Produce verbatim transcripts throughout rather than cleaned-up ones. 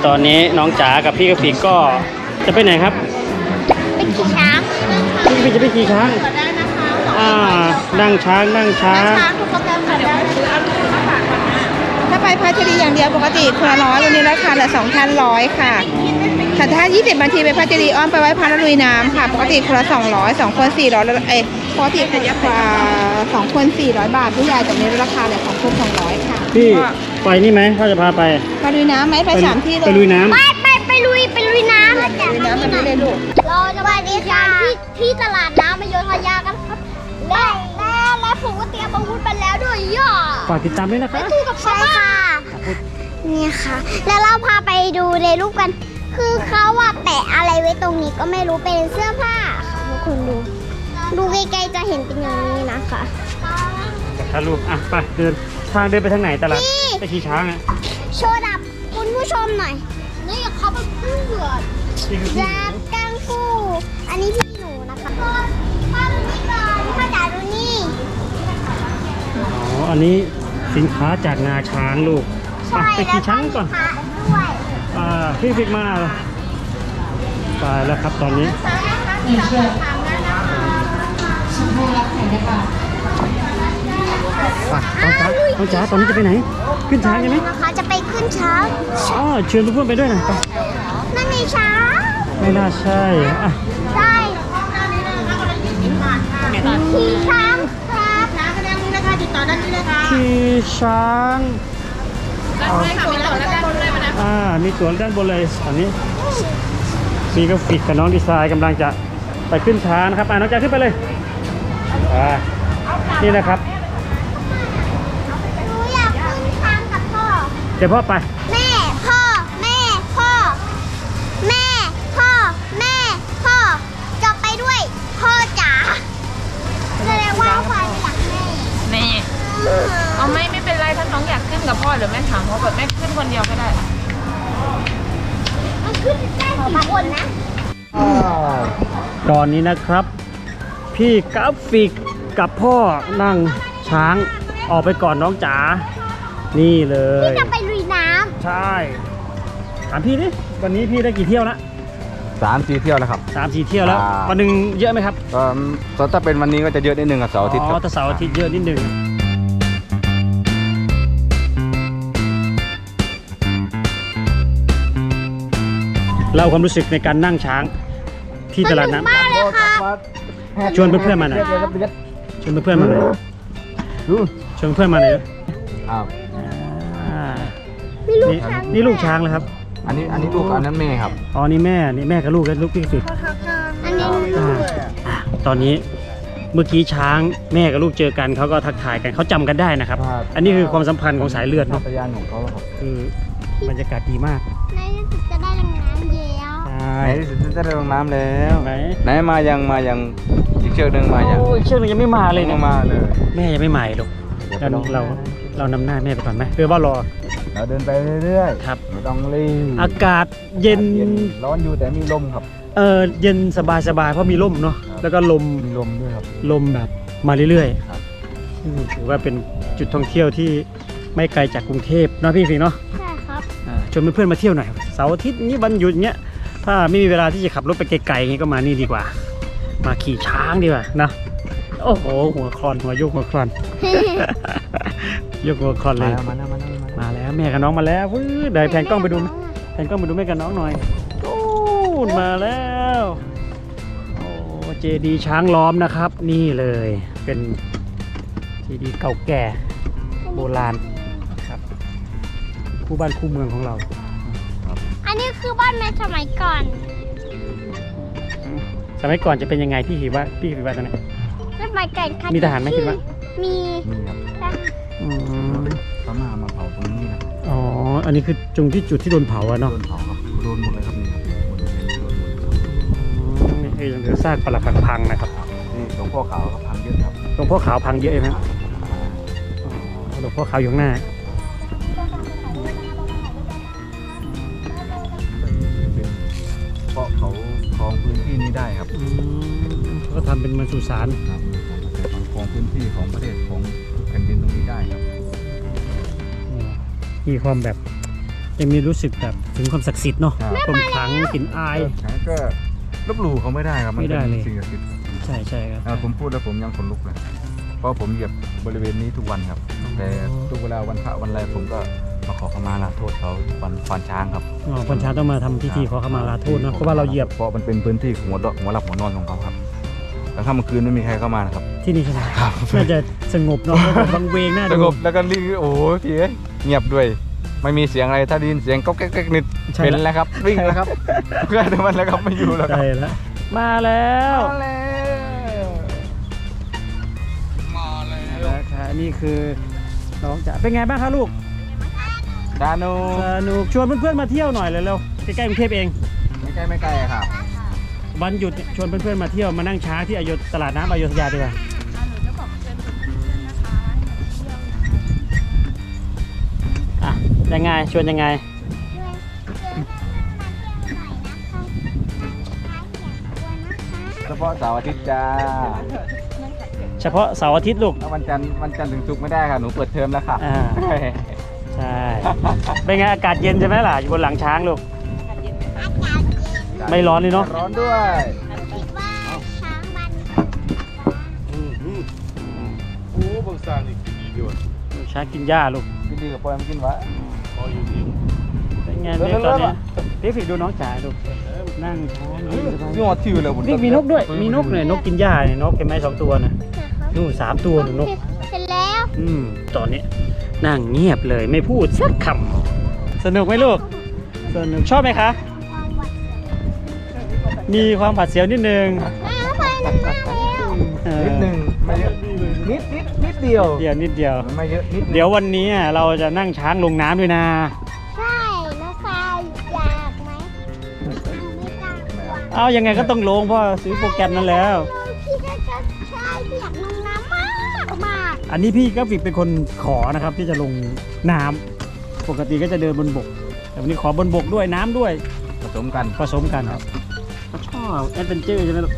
ตอนนี้น้องจ๋ากับพี่กระฟิกก็จะไปไหนครับไปขี่ช้างพี่กระฟิกจะไปขี่ช้างได้นะคะอ่านั่งช้างนั่งช้างช้างทุกโปรแกรมค่ะเดี๋ยวซื้อเอาลูกมาฝากก่อนนะถ้าไปพัชรีอย่างเดียวปกติคนละร้อยวันนี้ราคาเหลือสองพันร้อยค่ะแต่ถ้ายี่สิบนาทีไปพัชรีอ้อมไปไว้พันลุยน้ำค่ะปกติคนละสองร้อยสองคนสี่ร้อยเอ้ปกติคนละสองคนสี่ร้อยบาทผู้ใหญ่แต่นี้ราคาเหลือสองคนสองร้อยค่ะพี่ไปนี่ไหมเขาจะพาไปไปลุยน้ำไหมไปสามที่เลยไปลุยน้ำไปไปไปลุยไปลุยน้ำลุยน้ำแบบนี้เลยลูกเราจะไปที่ที่ที่ตลาดน้ำอโยธยากันครับและและและผมก็เตรียมอาวุธไปแล้วด้วยย่อฝากติดตามด้วยนะคะตู้กับใช่ค่ะนี่ค่ะแล้วเราพาไปดูในรูปกันคือเขาว่าแปะอะไรไว้ตรงนี้ก็ไม่รู้เป็นเสื้อผ้าค่ะทุกคนดูดูใกล้ๆจะเห็นเป็นอย่างนี้นะคะถ้าลูกอ่ะไปเดินทางเดินไปทางไหนตลาดไปขี่ช้างอ่ะโชว์ดับคุณผู้ชมหน่อยนี่เขาเป็นเพื่อนดับกังฟูอันนี้พี่หนูนะคะพ่อพ่อดูนี่ก่อนพ่อจ๋าดูนี่อ๋ออันนี้สินค้าจากงาช้างลูกไปขี่ช้างก่อนอ่าพี่ฟิกมาไปแล้วครับตอนนี้ไปน้องจ๋าน้องจ๋าตอนนี้จะไปไหนขึ้นช้างใช่ไหมนะคะจะไปขึ้นช้างอ๋อเชิญเพื่อนๆไปด้วยนะนั่นไงช้างไม่น่าใช่อ่ะใช่ขี่ช้างครับน้ำแสดงนี้นะคะติดต่อด้านนี้เลยค่ะขี่ช้างด้านบนค่ะมีตั๋วด้านบนเลยนะอ่ามีตั๋วด้านบนเลยตอนนี้มีกราฟิกกับน้องดีไซน์กำลังจะไปขึ้นช้างนะครับอ่าน้องจ๋าขึ้นไปเลยอ่านี่นะครับหนูอยากขึ้นช้างกับพ่อเดี๋ยวพ่อไปแม่พ่อแม่พ่อแม่พ่อแม่พ่อจะไปด้วยพ่อจ๋าแสดงว่าพ่ออยากแม่แม่เอาไม่ไม่เป็นไรถ้าน้องอยากขึ้นกับพ่อเดี๋ยวแม่ถามพ่อแบบแม่ขึ้นคนเดียวก็ได้มันขึ้นได้สี่คนนะตอนนี้นะครับพี่กราฟิกกับพ่อนั่งช้างออกไปก่อนน้องจ๋านี่เลยพี่จะไปลุยน้ำใช่ถามพี่ดิวันนี้พี่ได้กี่เที่ยวละสามสี่เที่ยวแล้วครับสามสี่เที่ยวแล้ววันหนึ่งเยอะไหมครับก็ถ้าเป็นวันนี้ก็จะเยอะนิดนึงกับเสาร์อาทิตย์อ๋อแต่เสาร์อาทิตย์เยอะนิดนึงเล่าความรู้สึกในการนั่งช้างที่ตลาดน้ำชวนเพื่อนๆมาหน่อยชวนเพื่อนๆมาหน่อยชวนเพื่อนมาหน่อยนี่นี่ลูกช้างเลยครับอันนี้อันนี้ลูกอันนั้นแม่ครับอ๋อนี่แม่นี่แม่กับลูกแล้วลูกพี่สุดอันนี้ตอนนี้เมื่อกี้ช้างแม่กับลูกเจอกันเขาก็ทักทายกันเขาจำกันได้นะครับอันนี้คือความสัมพันธ์ของสายเลือดเนาะพยานของเขาครับคือบรรยากาศดีมากในที่สุดจะได้ลงน้ำแล้วในที่สุดจะได้ลงน้ำแล้วไหนไหนมายังมายังอีกเชือกหนึ่งมายังอีกเชือกหนึ่งยังไม่มาเลยเนี่ยมาเลยแม่ยังไม่มาหรอกเราเราเรานำหน้าแม่ไปก่อนไหมเพื่อว่ารอเราเดินไปเรื่อยๆครับไม่ต้องรีบอากาศเย็นร้อนอยู่แต่มีลมครับเออเย็นสบายสบายเพราะมีลมเนาะแล้วก็ลมมีลมด้วยครับลมแบบมาเรื่อยๆครับถือว่าเป็นจุดท่องเที่ยวที่ไม่ไกลจากกรุงเทพเนาะพี่ฟิงเนาะใช่ครับชวนเพื่อนๆมาเที่ยวหน่อยเสาร์อาทิตย์นี้วันหยุดเนี้ยถ้าไม่มีเวลาที่จะขับรถไปไกลๆงี้ก็มานี่ดีกว่ามาขี่ช้างดีกว่านะโอ้โหหัวคลอนหัวโยกหัวคลอนยกหัวคลอนเลยมาแล้วมาแล้วมาแล้วแม่กับน้องมาแล้ววื้อเดี๋ยวแผนกล้องไปดูแผนกล้องไปดูแม่กับน้องหน่อยโอ้มาแล้วโอ้เจดีย์ช้างล้อมนะครับนี่เลยเป็นเจดีย์เก่าแก่โบราณครับคู่บ้านคู่เมืองของเราอันนี้คือบ้านในสมัยก่อนสมัยก่อนจะเป็นยังไงพี่คิดว่าพี่คิดว่าตอนนี้สมัยก่อนมีทหารไหมคิดว่ามีมีครับพม่ามาเผาตรงนี้นะอ๋ออันนี้คือตรงที่จุดที่โดนเผาอะเนาะโดนเผาครับโดนหมดเลยครับนี่ครับนี่คือยังเหลือซากปรักหักพังนะครับนี่หลวงพ่อขาวครับพังเยอะครับหลวงพ่อขาวพังเยอะไหมหลวงพ่อขาวอยู่ข้างหน้าเพราะเขาครองพื้นที่นี้ได้ครับก็ทำเป็นมันสุสานครับของพื้นที่ของประเทศของแผ่นดินตรงนี้ได้ครับมีความแบบยังมีรู้สึกแบบถึงความศักดิ์สิทธิ์เนาะครับความขลังกลิ่นอายฉันก็ลบหลู่เขาไม่ได้ครับมันไม่ได้เป็นเลยสิ่งศักดิ์สิทธิ์ใช่ใช่ครับอ่าผมพูดแล้วผมยังขนลุกเลยเพราะผมเหยียบบริเวณนี้ทุกวันครับ แต่ทุกเวลาวันพระวันอะไรผมก็มาขอขมาลาโทษเขาวันควานช้างครับอ๋อคนช้างต้องมาทำพิธีขอขมาลาโทษเนาะเพราะว่าเราเหยียบเพราะมันเป็นพื้นที่หัวดอกหัวหลับหัวนอนของเขาครับแล้วถ้าเมื่อคืนไม่มีใครเข้ามานะครับที่นี่ใช่ไหมครับน่าจะสงบเนาะเพราะว่าบางเวงน่าสดูงบแล้วก็รีบโอ้โหพี่เอ้ยเงียบด้วย ไม่มีเสียงอะไรถ้าได้ยินเสียงก็แก๊กๆนิดใช่เป็นละแล้วครับวิ่งแล้วครับเพื่อนมันแล้วครับไม่อยู่แล้วครับใช่แล้วมาแล้วมาแล้วมาแล้วนะคะนี่คือน้องจ๋าเป็นไงบ้างคะลูกดานูสนุกชวนเพื่อนๆมาเที่ยวหน่อยเลยเร็วใกล้ๆกรุงเทพเองไม่ใกล้ไม่ไกลครับวันหยุดเนี่ยชวนเพื่อนๆมาเที่ยวมานั่งช้างที่อโยธตลาดน้ำอโยธยาดีกว่าอ่ะยังไงชวนยังไงเฉพาะเสาร์อาทิตย์จ้าเฉพาะเสาร์อาทิตย์ลูกแล้ววันจันทร์วันจันทร์ถึงศุกร์ไม่ได้ค่ะหนูเปิดเทอมแล้วค่ะอ่า ใช่เป็นไงอากาศเย็นใช่ไหมล่ะอยู่บนหลังช้างลูก ไม่ร้อนเลยเนอะร้อนด้วยคิดว่าช้างมันโอ้บางสร้างนี่ดีดีว่ะช้างกินหญ้าลูกกินดีกับปอยมากินวะพออยู่ดีเป็นไงเลิเนี่ยศตตออน นเนี้เนี้ยยพี่ฟิกดูน้องจ๋าดูนั่งช้างยืนสบายนี่หอดทิวเลยผมนี่มีนกด้วย มีนกเนี่ยนกกินหญ้าเนี่ยนกเห็นไหมสองตัวนะนู่นสามตัวหนูนกเสร็จแล้วอืมตอนนี้นั่งเงียบเลยไม่พูดสักคำสนุกไหมลูกสนุกชอบไหมคะ มีความผัดเสียวนิดนึงแม่ไฟมันมากแล้วเออนิดหนึ่งไม่เยอะนิดนิดนิดเดียวเดียวนิดเดียวไม่เยอะนิดเดี๋ยววันนี้เราจะนั่งช้างลงน้ำด้วยนะใช่น้องฟายอยากไหมไม่กล้ากลัวเอายังไงก็ต้องลงเพราะซื้อโปรแกรมนั้นแล้วพี่ก็จะใช่พี่อยากลงน้ำมากมากอันนี้พี่กราฟิกเป็นคนขอนะครับที่จะลงน้ำปกติก็จะเดินบนบก แต่วันนี้ขอบนบกด้วยน้ำด้วยผสมกันผสมกันครับชอบแอดเวนเจอร์ใช่ไหมลูก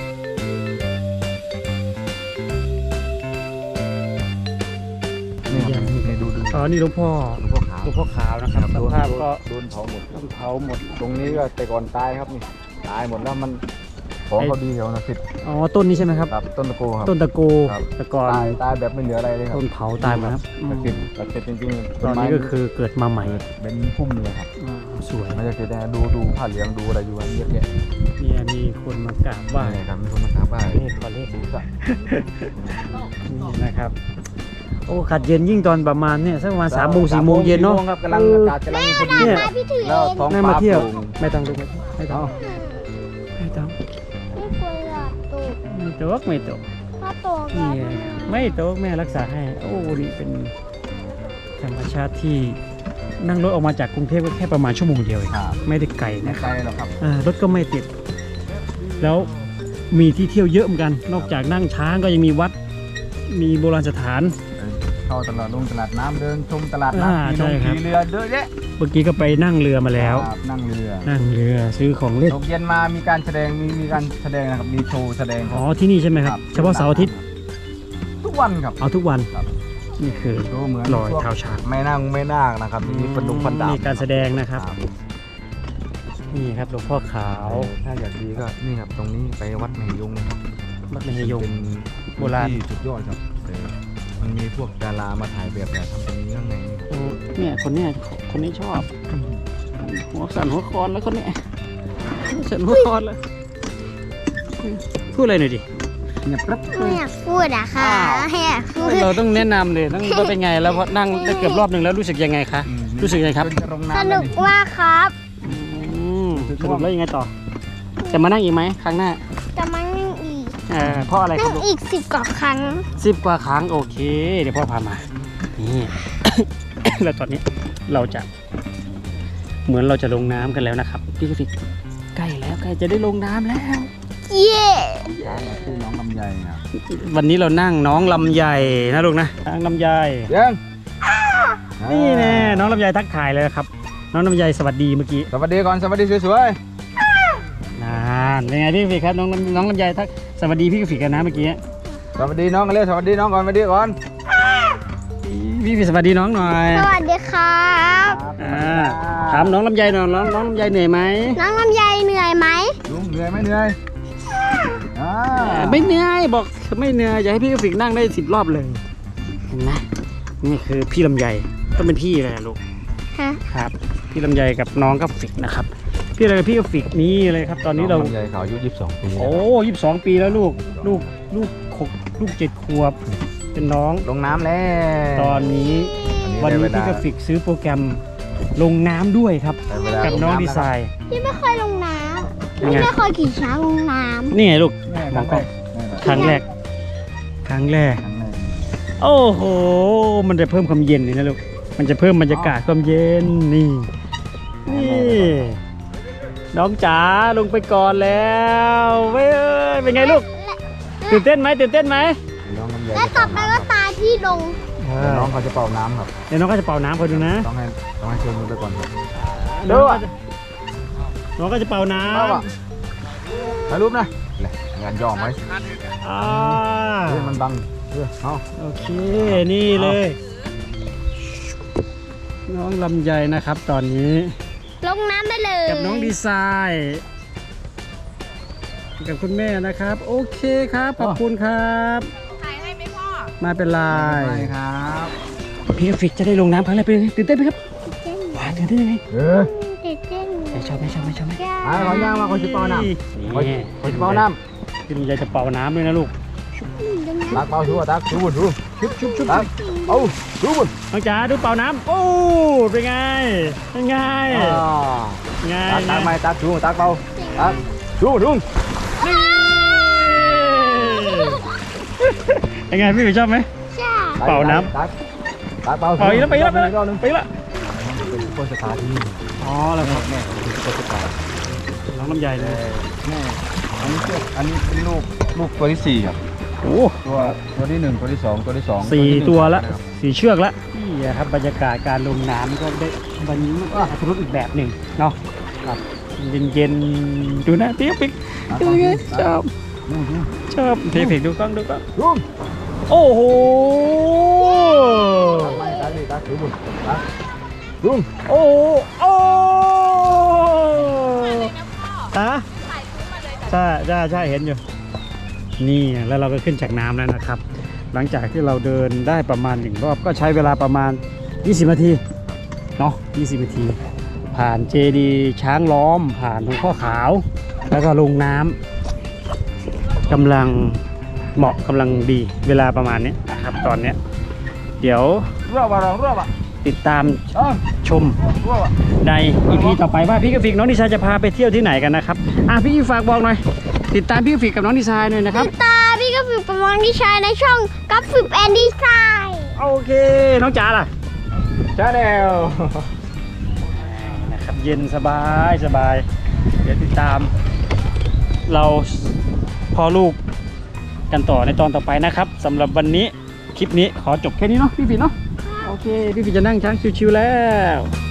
นี่ครับนี่ดูดูอ๋อนี่หลวงพ่อหลวงพ่อขาวหลวงพ่อขาวนะครับสภาพก็โดนเผาหมดเผาหมดตรงนี้ก็แต่ก่อนตายครับนี่ตายหมดแล้วมันของเขาดีแถวนะสิอ๋อต้นนี้ใช่ไหมครับครับต้นตะโกครับต้นตะโกครับตะกอนตายตายแบบไม่เหลืออะไรเลยครับต้นเผาตายหมดครับอืมตะเก็บตะเก็บจริงๆตอนนี้ก็คือเกิดมาใหม่เป็นพุ่มเลยครับอ่าสวยไม่ใช่แค่ได้ดูดูผ้าเหลืองดูอะไรอยู่อันเยอะแยะเนี่ยมีคนมากราบไหว้นี่ครับมีคนมากราบไหว้เลขขอเลขดูสักนี่นะครับ โอ้ขัดเย็นยิ่งตอนประมาณเนี่ยสักประมาณสามโมงสี่โมงเย็นเนาะครับกำลังอากาศกำลังพอดีเนี่ยมาพี่ถือแล้วเองท้องนั่งฟ้ามาเที่ยวโปร่งไม่ต้องดูไม่ต้องไม่ต้องไม่ควรหลับตูดไม่ตกไม่ตกถ้าโตแล้นี่วไม่ตกแม่รักษาให้ โอ้นี่เป็นธรรมชาติที่นั่งรถออกมาจากกรุงเทพก็แค่ประมาณชั่วโมงเดียวเองครับไม่ได้ไกลไม่นะคไกรับลหรอกครับอ่ารถก็ไม่ติด แล้วมีที่เที่ยวเยอะเหมือนกัน นอกจากนั่งช้างก็ยังมีวัด มีโบราณสถานเข้าตลาดลงตลาดน้ำเดินชมตลาดอ่าน้ำขี่ใช่ลงครับขี่เรือเยอะแยะเมื่อกี้ก็ไปนั่งเรือมาแล้วครับนั่งเรือนั่งเรือซื้อของเล่นตกเย็นมามีการแสดงมีมีการแสดงนะครับมีโชว์แสดงอ๋อที่นี่ใช่ไหมครับ เฉพาะเสาร์อาทิตย์ทุกวันครับเอาทุกวันครับนี่คือดูเหมือนลอยพวกเท้าช้างไม่นั่งไม่นาคนะครับมีฟันดุงฟันดาบมีการแสดงนะครับ นี่ครับหลวงพ่อขาวถ้าอยากดีก็นี่ครับตรงนี้ไปวัดมเหยงนะครับวัดมเหยงเป็นโบราณที่สุดยอดครับแต่มันมีพวกดารามาถ่ายแบบแต่ทำตรงนี้ข้างในนี่โอ้เนี่ยคนเนี้ยคนนี้ชอบ หัวสั่นหัวคอนแล้วคนเนี้ยสั่นหัวคอนแล้วพูดอะไรหน่อยดิเงียบกรับไม่อยากพูดอะค่ะไม่อยากพูดเราต้องแนะนำเลยต้องว่าเป็นไงแล้วพอนั่งได้เกือบรอบหนึ่งแล้วรู้สึกยังไงคะ รู้สึกยังไงครับเป็นโรงน้ำสนุกมากครับอืมสรุปแล้วยังไงต่อ จะมานั่งอีกไหมครั้งหน้าจะมานั่งอีกเออเพราะอะไรครันั่บงลูกอีกสิบกว่าครั้งสิบกว่าครั้งโอเค เดี๋ยวพ่อพามา นี่ แล้วตอนนี้เราจะ เหมือนเราจะลงน้ำกันแล้วนะครับพี่กฟิกใกล้แล้วใกล้จะได้ลงน้ำแล้วเย้ชื่อน้องลำไยครับวันนี้เรานั่งน้องลำไยนะลูกนะน้องลำไยยังนี่แน่น้องลำไยทักทายเลยนะครับ น้องลำไยสวัสดีเมื่อกี้สวัสดีก่อนสวัสดีสวยนานเป็นไงพี่กฟิกครับน้องน้องลำไยทักสวัสดีพี่กฟิกกันนะเมื่อกี้ๆสวัสดีน้องกันเลยสวัสดีน้องก่อนสวัสดีก่อนพี่กฟิกสวัสดีน้องหน่อยสวัสดีครับอ่าถามน้องลำไยหน่อยน้องน้องลำไยเหนื่อยไหมน้องลำไยเหนื่อยไหมลุงเหนื่อยไหมเหนื่อยอ่าไม่เหนื่อยบอกไม่เหนื่อยอยากให้พี่กราฟิกนั่งได้สิบรอบเลยเห็นไหมนี่คือพี่ลำไยต้องเป็นพี่เลยอะลูกฮะครับพี่ลำไยกับน้องกราฟิกนะครับพี่อะไรกับพี่กราฟิกนี่เลยครับ ตอนนี้เราลำไยเขาอายุยี่สิบสองปีโอ้ยี่สิบสองปีแล้วลูกลูกลูกหกลูกเจ็ดขวบเป็นน้องลงน้ำแล้วตอนนี้อัวันนี้ได้พี่เวกลาราฟิกซื้อโปรแกรมลงน้ำด้วยครับได้เวลากับน้องดีไซน์พี่ไม่เคยลงน้ำยังไงพี่ไม่เคยขี่ช้างลงน้นี่ไงลูกแม่มองกล้องครั้งแรกครั้งแรก ครั้งแรกครั้งแรกโอ้โห มันจะเพิ่มความเย็นเลยนะลูก มันจะเพิ่มบรรยากาศความเย็นนี่ นี่ น้องจ๋าลงไปก่อนแล้วเว้ยเป็นไงลูก ตื่นเต้นไหมตื่นเต้นไหมน้องลำไยำและต่อไปก็ตาที่ลงเดี๋ยวน้องเขาจะเป่าน้ำครับเดี๋ยวน้องก็จะเป่าน้ำคอยดูนะต้องให้ต้องให้เชิญมือไปก่อนครับน้องก็จะน้องก็จะเป่าน้เอาอ่ะถ่ายรูปนะเลยงานย่อไหมำอ่าเฮ้ยมันบังเฮ้ยเอาโอเค นี่เลย น้องลำไยนะครับ ตอนนี้ลงน้ำไปเลยกับน้องดีไซน์กับคุณแม่นะครับ โอเคครับขอบคุณครับถ่ายให้ไหมพ่อไมาเป็นไรไปครับพี่กราฟิกจะได้ลงน้ำครั้งแรกเป็นไงตื่นเต้นไหมครับว้าวตื่นเต้นยังไงเออเต้นเต้นไม่ชอบไม่ชอบไม่ชอบไหมอ่ะขอย่างมาคนจะเป่าน้ำคนนี่คนจะเป่าน้พี่ลำไยจะเป่าน้ำด้วยนะลูกำตักเป่าชัวร์ตักชูบุญชูชุบชุบชุบตักเอาชูบุญน้องจ๋าดูเป่าน้ำโอ้เป็นไงเป็นไงอ่าไงตักตักไม่ตักชูตักเป่าตักชูบุญยังไงพี่ชอบไหมใช่เป่าน้ำตักตักเป่าเป่าอีกแล้วไปอีกแล้วไปอีกรอบแล้วนึงไปอีกแล้วเป็นซุปเปอร์สตาร์ที่นี่อ๋อแล้วครับแม่เป็นซุปเปอร์สตาร์น้องลำไยเลยแม่อันนี้เชือกอันนี้เป็นลูกลูกตัวที่สี่ครับโอ้ตัวตัวที่หนึ่งตัวที่สองตัวที่สองสี่ที่หนึ่งตัวละครับสี่เชือกละนี่ครับบรรยากาศการลงน้ำก็ได้วันนี้มันก็อัตรสอีกแบบหนึ่งเนาะครับเย็นๆดูนะพี่ปิ๊กดูไงชอบดูดูชอบเทพิกดูกล้องดูกล้องดูโอ้โหตักไม่ตักดิตักดูบุญตักดูโอ้โหโอ้ฮะใช่ใช่ใช่เห็นอยู่นี่แล้วเราก็ขึ้นจากน้ำแล้วนะครับ หลังจากที่เราเดินได้ประมาณหนึ่งรอบก็ใช้เวลาประมาณยี่สิบนาทีเนาะยี่สิบนาที ผ่านเจดีย์ช้างล้อมผ่านหลวงพ่อขาว แล้วก็ลงน้ำกำลังเหมาะกำลังดีเวลาประมาณนี้นะครับ ตอนเนี้ยเดี๋ยวรอบอ่ะรอบอ่ะติดตามอ๋อชมรอบอ่ะใน อี พี ต่อไปว่าพี่กราฟิกน้องดีไซน์จะพาไปเที่ยวที่ไหนกันนะครับอ่ะพี่ฝากบอกหน่อยติดตามพี่กราฟิกกับน้องดีไซน์หน่อยนะครับตาพี่ก็ฝึกประมองที่ใช้ในช่องกับฝึกแอนดี้ไซน์โอเคน้องจ๋าล่ะชาแนลนะครับเย็นสบายสบายเดี๋ยวติดตาม เราพ่อลูกกันต่อในตอนต่อไปนะครับสำหรับวันนี้คลิปนี้ขอจบแค่นี้เนาะพี่ฟินเนาะโอเคพี่ฟินจะนั่งช้างชิวๆแล้ว